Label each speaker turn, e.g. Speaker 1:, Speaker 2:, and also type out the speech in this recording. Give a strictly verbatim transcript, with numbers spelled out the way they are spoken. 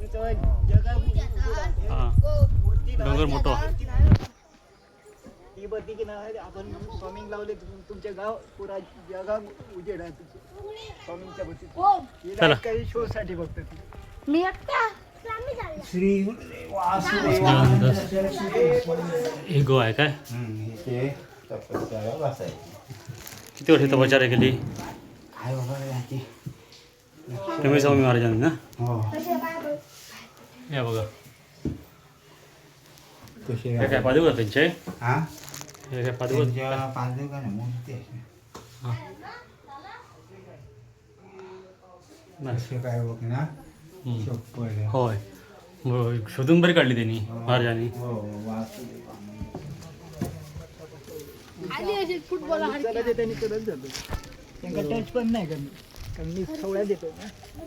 Speaker 1: हा डोंगर मोठो
Speaker 2: ती बघती की नाही आपण स्वामिंग लावले तुमचे गाव पुरा जगा उजेड आहे स्वामिंगच्या बद्दल
Speaker 1: चला
Speaker 2: काही शो साठी बघतो
Speaker 3: मी एकटा
Speaker 2: श्री
Speaker 1: हे गो आहे काय
Speaker 4: इथे तपस्या बसायची.
Speaker 1: किती वर्ष तपश्चर्या केली
Speaker 4: काय बाबा याची
Speaker 1: तुम्ही स्वामी महाराजांनी ना
Speaker 4: हो
Speaker 1: या बघा
Speaker 4: कसे
Speaker 1: हे काय पादुका त्यांचे
Speaker 4: हा
Speaker 1: हे काय पादुका
Speaker 4: त्यांच्या पादुका नाही मूर्ती आहे.
Speaker 1: हां
Speaker 4: कसे काय बघ ना
Speaker 1: हम्म.
Speaker 4: चप्पल आहे.
Speaker 1: होय होय. शोधून बरी काढली त्यांनी महाराजांनी
Speaker 4: हो वासुदेव.
Speaker 3: आली अशी फुटबॉल
Speaker 2: त्यांनी करत जातो त्यांना टच पण नाही करत कारण मी सवळ्या देतो ना